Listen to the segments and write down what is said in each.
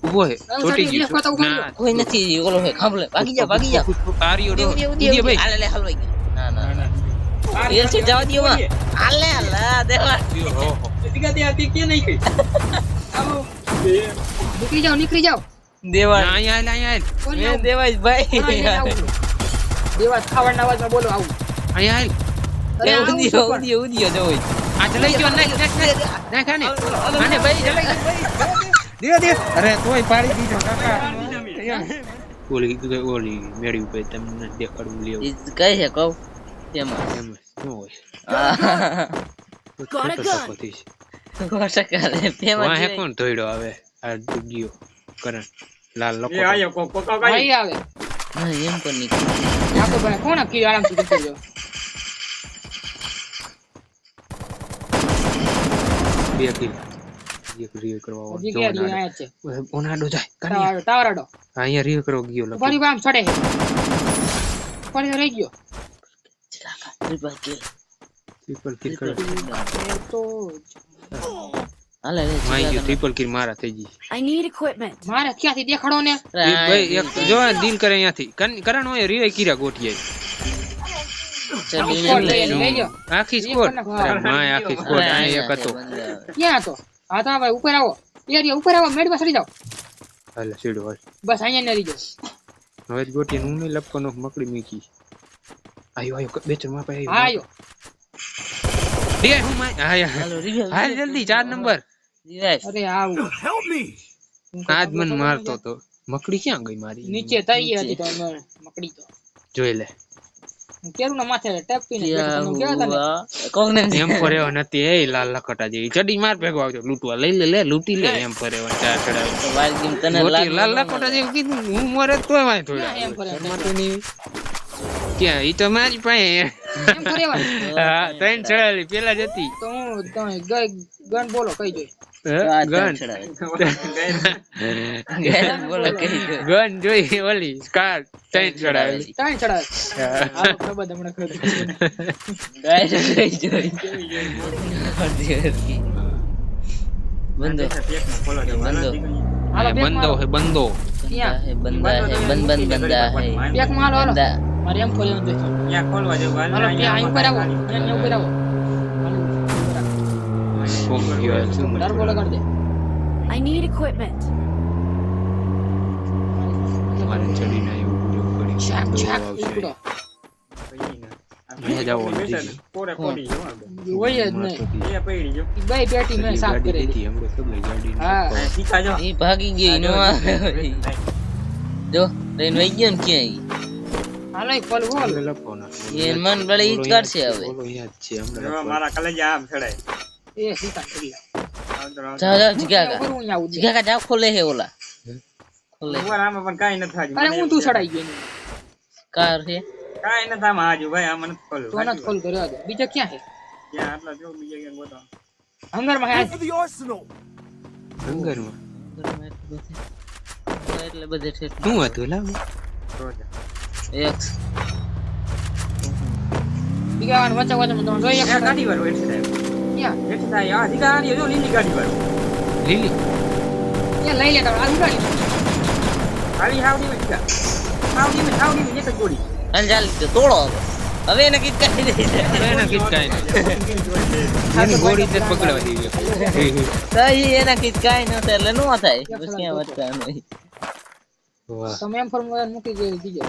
ઉભો હે છોટી ગયો ના કોઈ નથી ઓલો હે ખાંભલે ભાગી જા આર્યો રો ઉડી ભાઈ હાલે લે હલવાઈ ગયો ના એ છે જવા દિયો માં હાલે દેવા ઓહો દીકા દે આતી કે નહીં કઈ આવો નીકળી જાઓ દેવા અહીંયા એ દેવાય ભાઈ દેવા ખાવાના અવાજમાં બોલો આવું અહીંયા ઉડીયો જોઈ આ ચલાઈ ગયો નાખ આને ભાઈ ચલાઈ ગયો દે અરે તોય પાડી દીધો કાકા ઓલી મેળી ઉપર તમને દેખાડું લેવું કઈ છે કહું તેમાં એમ શું હોય વાહે કોણ ધોઈડો આવે આ દુગીઓ કરણ લાલ લોકો એ આયો કોકા ભાઈ આવે એમ પણ નીકળી આપો ભાઈ કોણ કી આરામથી જતો રહ્યો બે કિલ એક રીવ કરવા જગ્યા રી આયા છે ઓનાડો જાય કની ટાવરાડો અહીંયા રીવ કરો ગયો લગો ફરી બામ છડે ફરી રહી ગયો ટ્રિપલ કિલ કરો તો હાલે રે માઈ ગયો ટ્રિપલ કિલ મારા થઈ ગઈ I need equipment. મારે ક્યાંથી દેખાડો ને ભાઈ એક જો ડીલ કરે અહીંયાથી કરણ હોય રીવ કીરા ગોઠીએ આખી સ્કોર અરે માય આખી સ્કોર આ એક હતો ક્યાં હતો હા તો ભાઈ ઉપર આવો એરિયા ઉપર આવો મેડ પર ચડી જાઓ હાલે સીડો હાલ બસ અહીંયા ને રહી જાઓ હવે ગોઠી હું ને લપકોનો મકડી મીકી આયો બેચર માં પાઈ આયો દે હું માય હાલ જલ્દી 4 નંબર અરે આવું આજ મન મારતો તો મકડી ક્યાં ગઈ મારી નીચે તઈ હતી તો મકડી તો જોઈ લે કેરું ના માથે ટપીને બેઠો તમે કેવા તને કોને એમ ફરેવો નથી એ લાલ લખટા જેવી ચડી માર ભેગો આવજો લૂટવા લઈ લે લૂટી લે એમ ફરેવો ચાર ચડાવ તો વાલ ગેમ તને લાલ લખટા જેવી કીધું હું મરે તોય વાય થોડા એમ ફરે માટેની ક્યાં ઈ તો મારી પાસે એમ ફરેવા હા ત્રણ ચડાવેલી પેલા જ હતી તો હું ગન બોલો કઈ જોઈ ગન બોલો કઈ ગન જોઈ ઓલી સ્કાર ત્રણ ચડાવેલી ત્રણ ચડાવે આવો ખબર હમણાં ખબર ગાય કઈ જોઈ બંદો હાલો બંદો હે બંદો બંદા હે બંદા હે બેક માં હાલો બંદા મારે એમ ફરેવું જોઈએ ત્યાં ખોલવા જેવું હાલ હાલો ત્યાં ઉપર આવો ત્યાં ઉપર આવો ડર બોલો કરી દે I need equipment. મારે ચડીને એવું બધું કરી શાક દો શાક આવશે ઉપડો મેં જાવ પોરે પડી જો હોય જ નહીં એ પડી જો બે પેટી મેં સાફ કરી દીધી હમણાં ખબર ગાડી હા શીખા જો ઈ ભાગી ગઈ નો આવે જો ટ્રેન વઈ ગયો ને ક્યાં હાલો એક ફોલ બોલ લપોના ઈ મન બળે ઈ જ કાઢશે હવે બોલો યાદ છે જો હમણાં મારા કલેજા આમ ચડાય એ સીતા કરી જા જીગાકા કરું અહીંયા આવું જીગાકા જા ખોલે હે ઓલા ખોલે ઉપર આમાં પણ કાઈ ન થાજુ અરે હું તું ચડાઈ ગયો એની. કાર છે કાઈ ન થામ આજુ ભાઈ આમાં ન ખોલું તો નત ખોલ કર્યો હતો બીજો ક્યાં છે ત્યાં આટલા જો બીજે ક્યાં ગોતો હંગર માં હે હંગરમાં એટલે બધે છે શું હતું લાવ રોજા એક બીગાવાન વચ્ચે વચ્ચે તો જોઈ એક આ ગાડી વાળો એટલે થાય ક્યાં એટલે થાય આ ગાડી જો લીલી ગાડી વાળો લીલી એ લઈ લે તો આ ઉડાડી હાલી હાવડી માં ઠીકા હાવડી માં એક જ ગોળી અંજાલ તોડો હવે એને કીધ કાઢી દે એના કીધ કાઈ એની ગોળી તે પકડવા દીધી તઈ એના કીધ કાઈ ન થાય એટલે નો થાય બસ ક્યાં વધતા નહીં વાહ તમે એમ ફોર્મ મૂકી ગઈ દીજો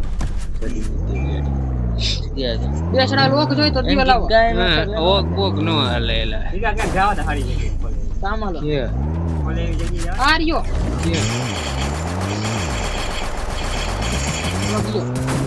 ગયા બે સડા લોક જોઈ તો દીવા લાવો કાઈ ન ઓગ ઓગ નો હાલે એલા ઠીકા ક્યાં જાવ તો હારી જગ્યાએ ખોલે સામાલો કે ખોલે એવી જગ્યાએ આ રહ્યો કે લોગિયો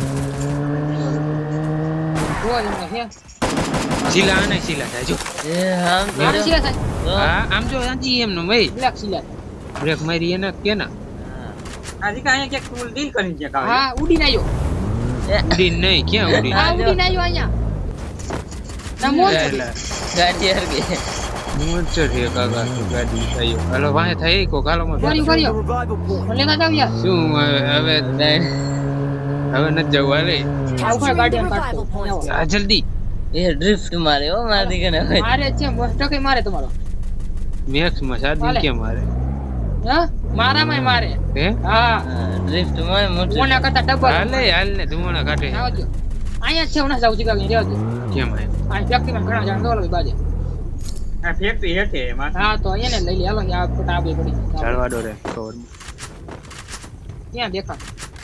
જોઈ ને હે શીલા આને શીલા થાય જો એ આમ આમ છે સાહેબ હા આમ જો આજી એમ નો ભાઈ બ્લેક સિલા બ્રેક મારી એના કેના આ ઠીકા અહીંયા ક્યાંક ટૂલ ડીલ કરીને ક્યાંક આવે હા ઉડીને આવ્યો ઉડી નહીં ક્યાં ઉડી હા ઉડીને આવ્યો અહીંયા નમો એલા ગાડી હર ગઈ મોચર હે કાકા ગાડી આયો હાલો વાહે થઈ કો કાલો માં કર્યો મને ના જાવ યાર શું હવે હવે ન જવું હાલે આ ઉપર ગાડીમાં કાઢતો આ જલ્દી એ ડ્રિફ્ટ મારે હો મારી કે મારે છે મસ્ત કે મારે તમારો મેક્સ માં સાદી હાલે. કે મારે હા મારામાંય મારે હે હા ડ્રિફ્ટ માં મોટું ઓના કરતા ડબલ હાલ ને ધુમાડા કાઢે આવા દો અહીંયા છે ઓના જાવ જીગા રહેવા દો કેમ આય આ ફેક્ટરીમાં ઘણા જણ દોલો બાજે આ ફેક્ટરી હેઠે એમાં હા તો અહીંયા ને લઈ લે હાલો આ ફોટા આપી પડી ચાલવા દો રે કવર ક્યાં દેખા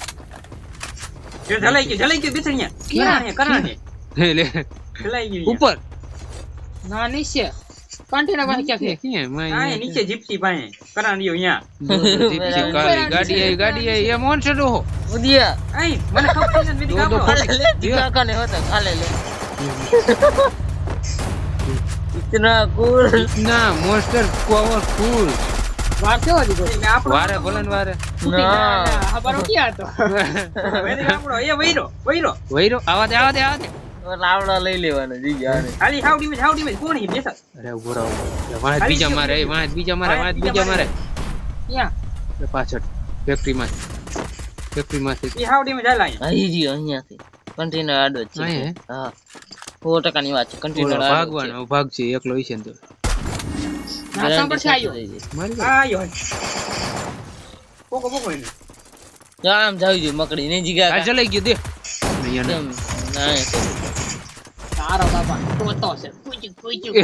જે ઢલાઈ ગયું બેસણિયા ક્યાં? કરાને લે ઢલાઈ ગયું ઉપર ના નીચે કન્ટેનર પાસે ક્યાં છે કે આ માય નીચે જીપ્સી પાસે કરાણ્યો અહીંયા ગાડી આઈ એ મોનસર હો ઉદિયા આઈ મને ખબર નથી મેદી કાપડો ખાલે લે દીકા કાને હોતા ખાલે લે इतना कूल ના મોન્સ્ટર પાવરફુલ વાર છે હજી કોઈ આપણો વારે ભલન વારે ના ખબર ક્યાં હતો મેદી કાપડો એ વઈરો વઈરો આવા દે લાવડા લઈ લેવાનો જી જાને ખાલી હાવડી માં કોણ હી બેસા અરે ઉભો રહો વાહ બીજા મારે ક્યાં પાછળ ફેક્ટરી માં એ હાવડી માં જાય અહીં જી અહીંયાથી કન્ટેનર આડો જ છે અહીંયા? હા 100% ની વાત છે કન્ટેનર ભાગવાનો ભાગ છે એકલો હશે ને તો નાસા પર છે આયો મારી આયો પોકો એને આમ જાવી જોઈએ મકડી ને જીગા આ ચલાઈ ગયો દે અહીંયા કેમ ના તારો બાપા ટોટો છે પૂજ્યું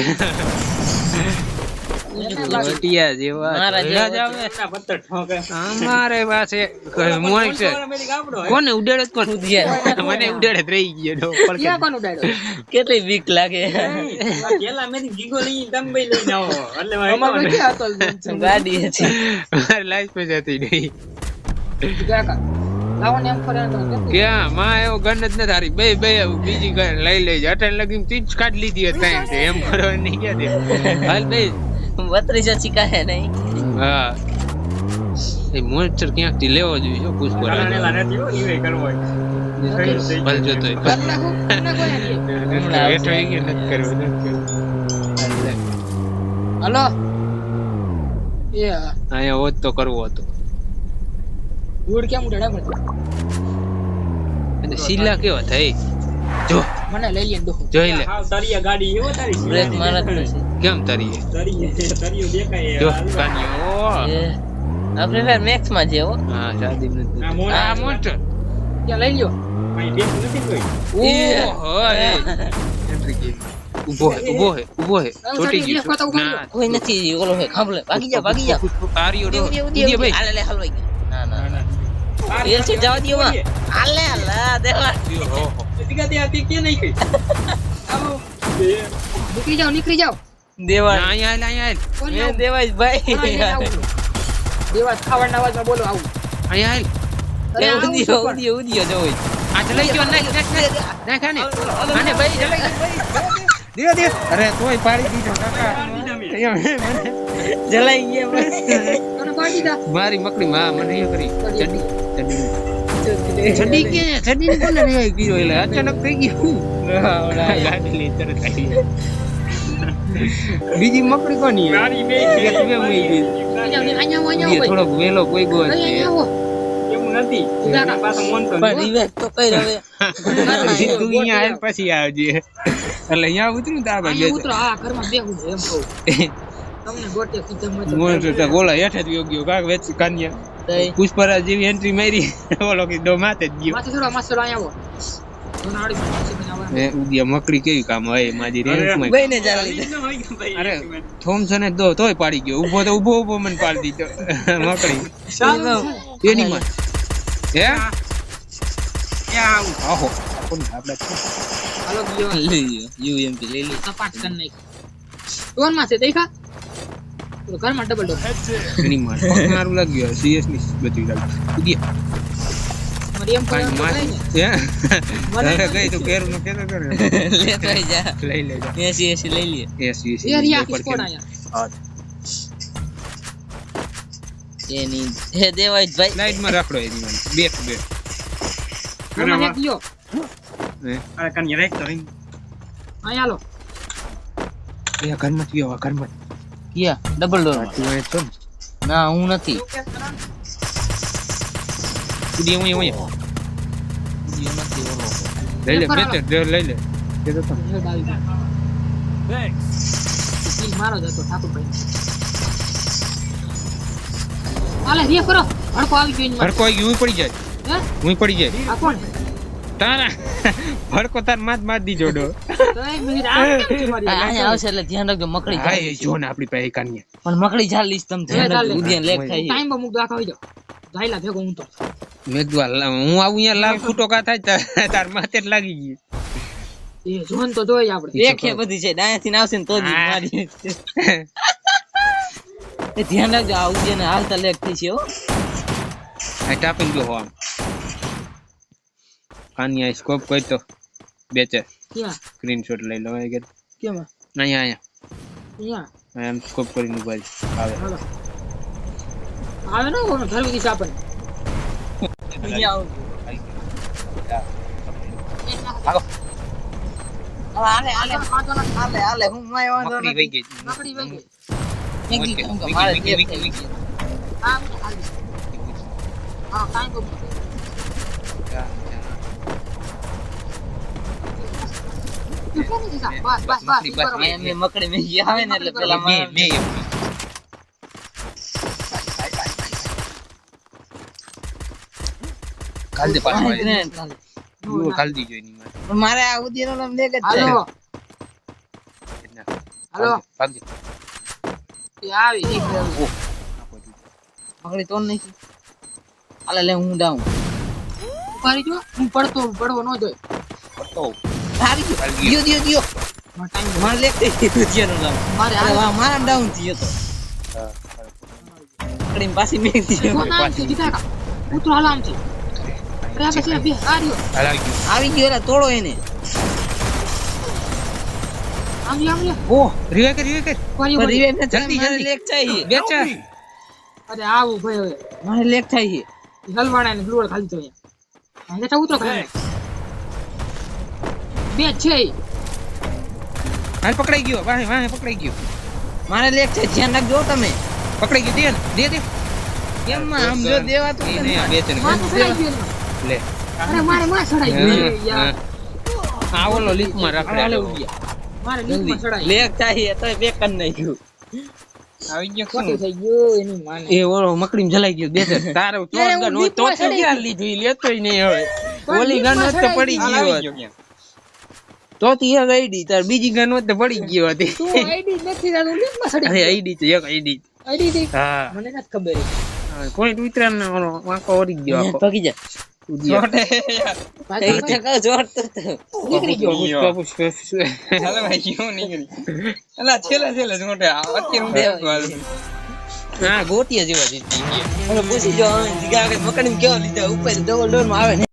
ટીયા જેવા મારા ધોળા જેવા જ આવે. એના પત્તર ઠોકે અમારે પાસે મોન્સ્ટર મેદી કાપડો કોને ઉડાડે જ કોણ ઉદિયા મને ઉડાડે જ રહી ગયો ક્યાં કોનું ડાયડો કેટલી બીક લાગે પેલા મેદી ગીગો લઈ દંબઈ લઈને આવો એટલે અમાર મારે ક્યાં હતો ગાડી હતી મારી લાઈફ પર જતી નહીં કાકા લાવો ને એમ ફરે તો ક્યાં માં એવો ગન જ નથી હારી બે બીજી ગન લઈ લેજે અટન લગી તીજ કાઢ લીધી હતી કાંઈ તે એમ કરવાની ક્યાં દે હાલ બે 32 શીખાય નહીં હા એ મોન્સ્ટર ક્યાંકથી લેવો જોઈએ જો પુષ્પ કરાણેલા નથી હો ઈવે કરવો હોય ભલ જોતો કર નાખો હેઠો એ કે નથી કરવો હલો એ અહીંયા હોત તો કરવો હતો ગુડ કેમ ઉડાડે મને અને શીલા કેવા થઈ જો મને લઈ લે દો જોઈ લે હાવ તરિયા ગાડી એવો તારી બ્રેક મારત નથી કેમ તારી તરિયો દેખાય જો કાન્યો એ આપણે ફેર મેક્સ માં જેવો હા શાદી નથી આ મોન્સ્ટર. આ મોન્સ્ટર ત્યાં લઈ લ્યો અહીં બેસ નથી કોઈ ઓહો એન્ટ્રી ગેમ ઊભો હે છોટી ગયો ના કોઈ નથી ઓલો હે ખાંભલે ભાગી જા આર્યો ડો ઉદિયા ભાઈ હાલે લે હલવાઈ ગયો ના એલ છે જવા દયો માં હાલે દેવા હો દીકા તે આતી કે નહીં કઈ આવો નીકળી જાઓ દેવા ના અહીંયા કોણ એ આવું? દેવાય કોણ આવીને ભાઈ આવું? દેવાજ ખાવાના અવાજમાં બોલો આવું અહીંયા અરે આવું છું પણ. ઉદિયો જોઈ આ ચલાઈ ગયો નાખ આને ભાઈ ચલાઈ ગયો દે અરે તોય પાડી દીધો કાકા જલાઈ ગયા તને પાડી દા. મારી મકડી માં મને એ કરી ચડી કે ચડી કોને રે ગયો એટલે અચાનક થઈ ગયું ગાડી લઈ તરત આવી બીજી મકડી કોની ગાડી બે એક બે મઈ ગઈ અહીંયા આવો એ થોડોક વેલો કોઈ ગો છે અહીંયા આવો એવું નથી એના પાસે મોન્સ્ટર પણ રિવેટ તો કઈ રવે તું અહીંયા આવ પછી આવજે એટલે અહીંયા ઉતરું તો આગળ અહીંયા ઉતરો આ ઘરમાં બેહું છું એમ કહું તમને ગોટે કીધું મત મોન્સ્ટર તો ગોળા હેઠ જ ગયો કાક વેચ કાન્યા પુષ્પરાજ જેવી એન્ટ્રી મારી ઓલો કે દો માથે જ ગયો માથે થોડો મસ્ત અહીંયા આવો સોનાળી માથે બનાવવા એ ઉદિયા મકડી કેવી કામ હોય મારી રેન્કમાં બેને ચાલી અરે થોમસન જ દો તોય પાડી ગયો ઊભો મને પાડી દીધો મકડી એની માં હે આહો કોણ આપણે હાલો ગયો લઈ યુએમપી લઈ લે સપાટ કર નાખ કોણ માં છે દેખા તો ઘરમાં ડબલ ડોર એની માં પગ મારું લાગ્યો સીએસ ની બધી લાગી ઉદિયા મારી એમ કાઈ કોઈ માં નહીં હે અરે ગઈ તો કેરું નો કેતો કરે લે તો જા લઈ લેજો એસી લઈ લે એસ એ રિયા કિસ કોણ આયા એની હે દેવાય ભાઈ લાઈટ માં રાખડો એની માં બે મને એક લ્યો અરે કન્યા રાખ તો રહી અહીંયા હાલો એ ઘરમાં ગયો ઘરમાં કિયા ડબલ ડોર તું એ છો ના હું નથી ઉદિયા હું ઉદિયો નથી ઓલો લઈ લે બેટર લઈ લે કે તો હેડ આવી ગયો થેન્ક્સ મારો જતો ઠાકોરભાઈ આલે રે કરો હડકો આવી ગયો એની ભડકો આવી ગયો, હું પડી જાય, હે હું પડી જાય. આ કોણ તારા ભડકો તાર માર દીજો ડો. તો એક મિનિટ આ કેમ છે મારી અહીંયા આવશે એટલે ધ્યાન રાખજો મકડી હા જાય એ જો ને આપણી પાસે કાનિયા. પણ મકડી ચાલીશ તમે ધ્યાન રાખજો ઉદ્યાન લેક થાય છે. ટાઈમ પર મુક દાખા આવી જાવ જાયલા ભેગો હું તો મેં કીધું હું આવું અહીંયા લાલ ફૂટો કા થાય તાર માથે જ લાગી ગઈ. એ જોન તો જોઈ આપણે એક છે બધી છે ડાયાથી આવશે ને તો જ મારી એ ધ્યાન રાખજો આ ઉદ્યાન હાલતા લેક થઈ છે હો. આ ટાપિંગ જો આમ કાનિયા સ્કોપ કોઈ તો બેચે ક્યાં સ્ક્રીનશોટ લઈ લો કે કેમ અહીંયા અહીંયા એમ સ્કોપ કરીને ઉભા છે. આવે હાલો આવે ને કોણ ધરવી દીસ આપણને અહીંયા ભાગો. આવો હાલે હાલે હું માય વાંધો મકડી વઈ ગઈ. મકડી વઈ ગઈ નથી વિકી, મારે વિકી, લેક વિકી, થઈ વિકી. ગઈ. આ મને હાલ હા ટાઈમ પર બસ બસ બસ મકડી બસ. અહીંયા મેં મકડી મેં આવે ને એટલે પેલા બે મારે બે કાલ દે પાછો આવે. યુ કાલ દી જોઈ ની માર. મારે આ ઉદ્યાનો નામ લેક જ છે હાલો હાલો ભાગજો. એ આવી એક મકડી તોડ નાખી હાલે લે હું ડાઉં ઉપાડી જો હું પડવો ન જોઈએ તો હારી ગયો દિયો દિયો ટાઈમ મારે લેક થઈ ગઈ ઉદ્યાનો નામ મારે અરે હાલ વાહ મારા ડાઉન થયો તો મકડી પાછી મેં દીધો કોણ આમ છે દીધા ઉતરો હાલ આમ છે અરે આ પછી બે આર્યો હલાવી ગયું. આવી ગયો એલા તોડો એને આમ લે ઓહ રીવે કર કોરી પર કોરી રિવાઇવ ન થાય જલ્દી, મારે જલ્દી. લેક થાય બેચા અરે આવું ભાઈ હવે મારે લેક થાય હલવાણા ને ગ્લુઅર ખાલી તો અહીંયા અહીંયા ઉતરો ખાલી બે છે હાલ પકડાઈ ગયો. વાહે વાહે પકડાઈ ગયો. મારે લેક છે ધ્યાન રાખજો તમે પકડાઈ ગયો. દે કેમ માં આમ જો દેવાતું એ છે નહીં, આ ને. બે છે ને. માં તો સડાઈ ગયો એનો. લે અરે મારે માં સડાઈ ગયો યાર આ ઓલો લીકમાં રાખડે હાલે આલો. ઉડ્યા. મારે લીકમાં સડાઈ લેક થાય તો બે કન નાખ્યું આવી ગયો ખોટું શું? થઈ ગયું એની માને એ ઓલો મકડીમાં જલાઈ ગયો. બે છે તારો ચોર યાર, ગન હું હોય તો લીકમાં ક્યાં સડાઈ લીધું? ઈ લેતોય નહીં હવે. પણ ઓલી ગન લીકમાં હોત તો સડાઈ પડી ગઈ. ગયો હોત. તો તી એક આઈડી તાર બીજી ગન હોત તો પડી ગયો હતી. તું આઈડી નથી તારું લીકમાં સડી અરે ગયો આઈડી તો એક આઈડી. આઈડી થી હા મને નથી ખબર કોઈ ઉતરા ને ઓલો વાંકો ઓરી ગયો આખો. પગી જા ઉડ્યો. એ તો કહો જોર તો નીકળી ગયો પુષ્પ, પુષ્પ. હાલે ભાઈ કેવું નીકળી. અલા છેલ્લે જોટે અત્યારે હા ગોટિયા જેવા જીતી ગયા. પૂછી જો જીગા મકડી કેવો લીધો ઉપર ડબલ ડોર માં આવે ને